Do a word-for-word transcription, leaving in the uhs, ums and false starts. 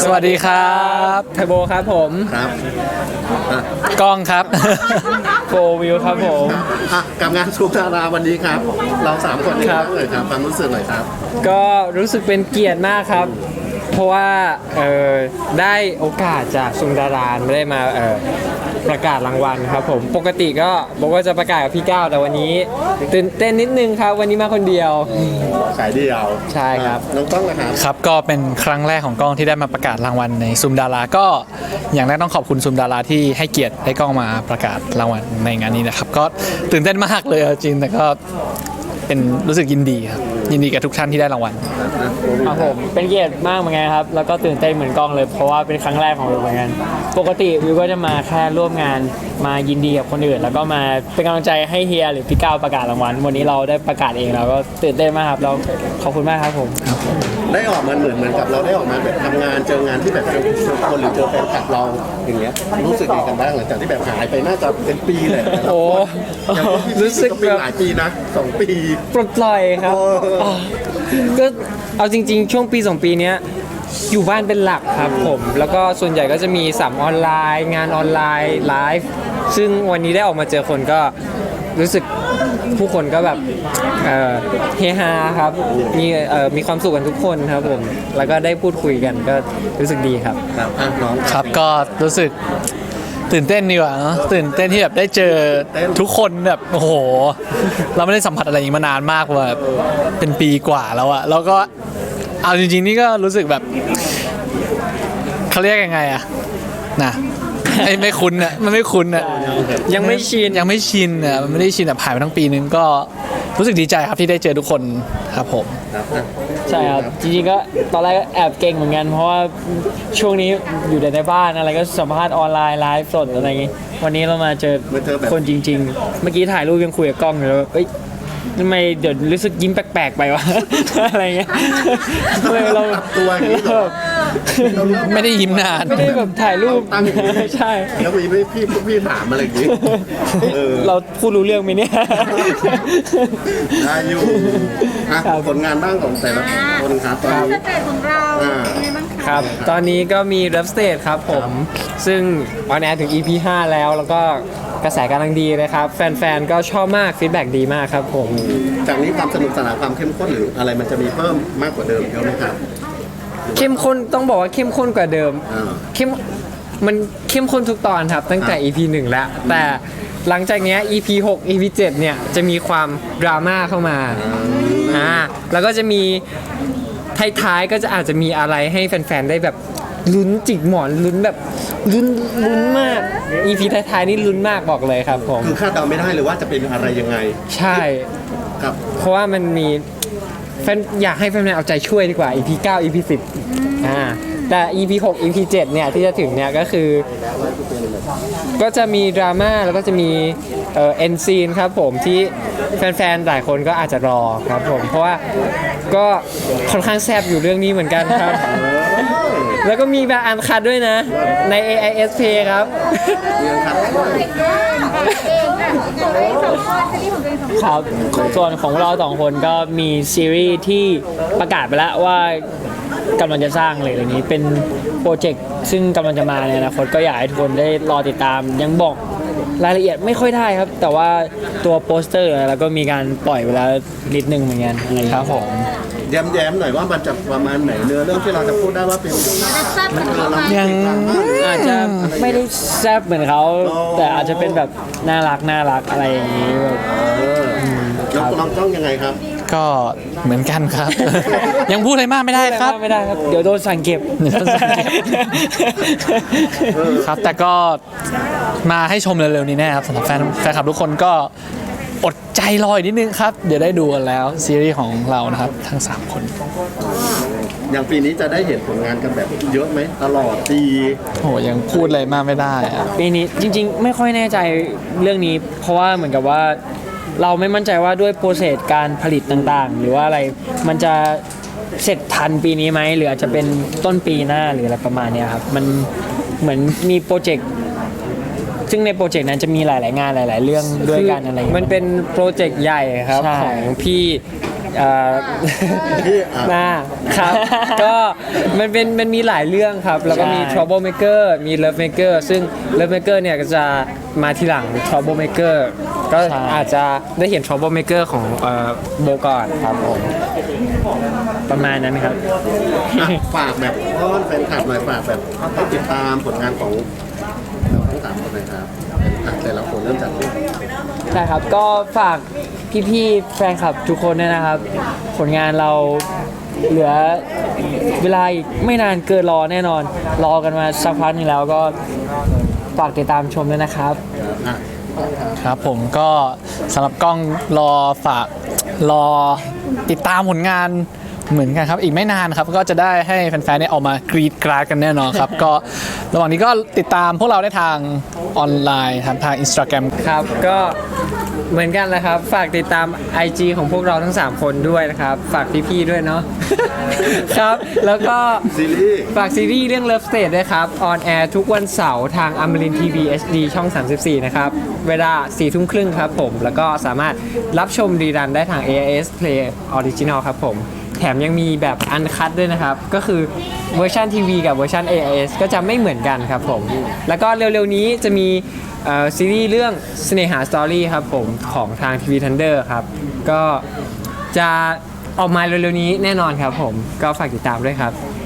สวัสดีครับไทโบครับผมครับอ่ะกล้องครับโฟวิวครับผมอ่ะกับงานชูดาราวันนี้ครับ เราสามคนนี่ครับเลยครับความรู้สึกหน่อยครับก็รู้สึกเป็นเกียรติมากครับ เพราะว่าเอ่อได้โอกาสจากซุงดารานไม่ได้มาเอ่อประกาศรางวัลครับผมปกติก็บอกว่าจะประกาศกับพี่ก้าวแต่วันนี้ตื่นเต้นนิดนึงครับวันนี้มาคนเดียวสายเดียวใช่ครับน้องต้องนะครับครับก็เป็นครั้งแรกของกล้องที่ได้มาประกาศรางวัลในซุมดาราก็อย่างแรกต้องขอบคุณซุมดาราที่ให้เกียรติให้กล้องมาประกาศรางวัลในงานนี้นะครับก็ตื่นเต้นมากเลยเอาจริงแต่ก็เป็นรู้สึกยินดีครับยินดีกับทุกท่านที่ได้รางวัลครับผมเป็นเกียรติมากเหมือนกันครับแล้วก็ตื่นเต้นเหมือนกล้องเลยเพราะว่าเป็นครั้งแรกของวิวเหมือนกันปกติวิวก็จะมาแค่ร่วมงานมายินดีกับคนอื่น แล้วก็มาเป็นกำลังใจให้เฮียหรือพี่ก้าวประกาศรางวัลวันนี้เราได้ประกาศเองเราก็ตื่นเต้นมากครับแล้วขอบคุณมากครับผมได้ออกมาเหมือนเหมือนกับเราได้ออกมาแบบทำงานเจองานที่แบบเจอเจอคนหรือเจอแฟนคลับเราอย่างเงี้ยรู้สึกยังไงกันบ้างหลังจากที่แบบหายไปน่าจะเป็นปีแหละแต่ละโอ้คนอย่างที่พี่รู้สึกเป็นแบบหลายปีนะสองปีปลดปล่อยครับโอ้อ๋อก็เอาจริง ๆ ช่วงปีสองปีเนี้ยอยู่บ้านเป็นหลักครับผมแล้วก็ส่วนใหญ่ก็จะมีสัมออนไลน์ งานออนไลน์ไลฟ์ซึ่งวันนี้ได้ออกมาเจอคนก็รู้สึกผู้คนก็แบบเอ่อเฮฮาครับมีเอ่อมีความสุขกันทุกคนครับผมแล้วก็ได้พูดคุยกันก็รู้สึกดีครับครับอ่ะน้องครับก็รู้สึกตื่นเต้นดีกว่าเนอะตื่นเต้นที่แบบได้เจอทุกคนแบบโอ้โห เราไม่ได้สัมผัสอะไรอย่างนี้มานานมากว่าแบบเป็นปีกว่าแล้วอะแล้วก็เอาจริงๆนี่ก็รู้สึกแบบเขาเรียกยังไงอะนะไม่ไม่คุ้นอะมันไม่คุ้นอะยังไม่ชินยังไม่ชินอะมันไม่ได้ชินแบบผ่านไปทั้งปีนึงก็รู้สึกดีใจครับที่ได้เจอทุกคนครับผมครับอ่ะใช่ครับจริงๆก็ตอนแรกก็แอบเก่งเหมือนกันเพราะว่าช่วงนี้อยู่แต่ในบ้านอะไรก็สัมภาษณ์ออนไลน์ไลฟ์สดอะไรอย่างงี้วันนี้เรามาเจอคนจริง ๆ เมื่อกี้ถ่ายรูปยังคุยกับกล้องอยู่เลยว่าเอ้ยทำไมเดี๋ยวรู้สึกยิ้มแปลกๆไปวะ อะไรเงี้ยทำไมเราปรับตัวอย่างนี้เหรอไม่ได้ยิ้มนานไม่ได้แบบถ่ายรูปตั้งอย่างนี้ใช่แล้วมีพี่พี่พี่ถามอะไรอย่างนี้เออเราพูดรู้เรื่องไหมเนี่ยได้อยู่อ่ะครับผลงานบ้างของแต่ละคนครับตอนนี้สเตจของเราอ่าเป็นไงบ้างคะครับ ตอนนี้ก็มี Love Stage ครับผม ซึ่งออนแอร์ถึง อี พี ห้า แล้ว แล้วก็กระแสกำลังดีเลยครับ แฟนๆ ก็ชอบมากฟีดแบ็กดีมากครับผมจากนี้ความสนุกสนานความเข้มข้นหรืออะไรมันจะมีเพิ่มมากกว่าเดิมเยอะไหมครับเข้มข้นต้องบอกว่าเข้มข้นกว่าเดิมอ่าเข้มมันเข้มข้นทุกตอนครับ ตั้งแต่ อี พี หนึ่ง แล้ว แต่หลังจากเนี้ย อี พี หก อี พี เจ็ด เนี่ย จะมีความดราม่าเข้ามาอ่าแล้วก็จะมีท้ายๆก็จะอาจจะมีอะไรให้แฟนๆ ได้แบบลุ้นจิกหมอนลุ้นแบบลุ้นลุ้นมาก อี พี ท้ายๆ นี่ลุ้นมากบอกเลยครับผมคือคาดเดาไม่ได้เลยว่าจะเป็นอะไรยังไงใช่ครับเพราะว่ามันมีแฟนอยากให้แฟนๆเอาใจช่วยดีกว่า อี พี เก้า อี พี สิบอ่าแต่ อี พี หก อี พี เจ็ด เนี่ยที่จะถึงเนี่ยก็คือ ก็จะมีดราม่าแล้วก็จะมีเอ่อเอ็นซีนครับผมที่แฟนๆ หลายคนก็อาจจะรอครับผม เพราะว่าก็ค่อนข้างแซบอยู่เรื่องนี้เหมือนกันครับ แล้วก็มีแบบอันคัดด้วยนะใน เอ ไอ เอส Play ครับเรื่องครับเองอ่ะเองอ่ะตัวเองสองคนซีรีส์ของตัวเองสองคนครับส่วนของเราสองคนก็มีซีรีส์ที่ประกาศไปแล้วว่ากำลังจะสร้างเลยอย่างนี้เป็นโปรเจกต์ซึ่งกำลังจะมาในอนาคตก็อยากให้ทุกคนได้รอติดตาม ยังบอกรายละเอียดไม่ค่อยได้ครับ แต่ว่าตัวโปสเตอร์แล้วก็มีการปล่อยไปแล้วนิดนึงเหมือนกันอะไรอย่างเงี้ยครับผมแย้มๆหน่อยว่ามันจะประมาณไหนเนื้อเรื่องที่เราจะพูดได้ว่าเป็นจะแซ่บเหมือนเขาไหมยังอาจจะไม่ได้แซ่บเหมือนเขาแต่อาจจะเป็นแบบน่ารักน่ารักอะไรอย่างนี้แบบเออแล้วเราต้องยังไงครับก็เหมือนกันครับ ยังพูดอะไรมากไม่ได้ครับไม่ได้ครับ เดี๋ยวโดนสั่งเก็บเดี๋ยวโดนสั่งเก็บ ครับแต่ก็มาให้ชมเร็วๆนี้แน่ครับสำหรับแฟนแฟนคลับทุกคนก็อดใจรออีกนิดนึงครับ เดี๋ยวได้ดูกันแล้วซีรีส์ของเรานะครับทั้งสามคนอย่างปีนี้จะได้เห็นผลงานกันแบบเยอะไหมตลอดปีโหยังพูดอะไรมากไม่ได้อะปีนี้จริงๆ ไม่ค่อยแน่ใจเรื่องนี้ เพราะว่าเหมือนกับว่าเราไม่มั่นใจว่าด้วยโปรเซสการผลิตต่างๆ หรือว่าอะไรมันจะเสร็จทันปีนี้ไหมหรืออาจจะเป็นต้นปีหน้าหรืออะไรประมาณเนี้ยครับมันเหมือนมีโปรเจกต์ซึ่งในโปรเจกต์นั้นจะมีหลายๆงานหลาย ๆ เรื่องด้วยกันอะไรอย่างเงี้ยมันเป็นโปรเจกต์ใหญ่ครับใช่ของพี่เอ่อที่อ่ะนะครับ ก็มันเป็นมันมีหลายเรื่องครับ แล้วก็มีใช่ trouble maker มี love maker ซึ่ง love maker เนี่ยก็จะมาทีหลัง trouble maker ก็อาจจะได้เห็น trouble maker ของเอ่อโบก่อนครับผมประมาณนั้นครับอ่ะฝากแบบต้อนแฟนคลับหน่อยฝากแบบให้ติดตามผลงานของเราทั้งสามคนเลยครับอ่ะแต่ละคนเริ่มจากที่ใช่ครับ ก็ฝากพี่ๆแฟนคลับทุกคนด้วยนะครับ ผลงานเราเหลือเวลาอีกไม่นานเกินรอแน่นอน รอกันมาสักพักหนึงแล้วก็ฝากติดตามชมด้วยนะครับอ่ะครับผมก็สำหรับกล้องรอฝากรอติดตามผลงานเหมือนกันครับ อีกไม่นานครับก็จะได้ให้แฟนๆได้ออกมากรีดกราดกันแน่นอนครับ ก็ระหว่างนี้ก็ติดตามพวกเราได้ทางออนไลน์ครับทาง Instagram ครับก็เหมือนกันแหละครับ ฝากติดตาม ไอ จี ของพวกเราทั้ง สาม คนด้วยนะครับ ฝากพี่ๆด้วยเนาะ ครับ แล้วก็ซีรีส์ฝากซีรีส์เรื่อง Love State ด้วยครับ ออนแอร์ทุกวันเสาร์ทางอมรินทีวี เอช ดี ช่อง สามสิบสี่ นะครับ เวลาสี่ทุ่มครึ่งครับผม แล้วก็สามารถรับชมรีรันได้ทาง เอ ไอ เอส Play Original ครับผม แถมยังมีแบบอันคัดด้วยนะครับ ก็คือเวอร์ชันทีวีกับเวอร์ชัน เอ ไอ เอส ก็จะไม่เหมือนกันครับผม แล้วก็เร็วๆนี้จะมีเอ่อซีรีส์เรื่องเสน่หาสตอรี่ครับผมของทางทีวีทันเดอร์ครับ ก็จะออกมาเร็วๆนี้แน่นอนครับผม ก็ฝากติดตามด้วยครับ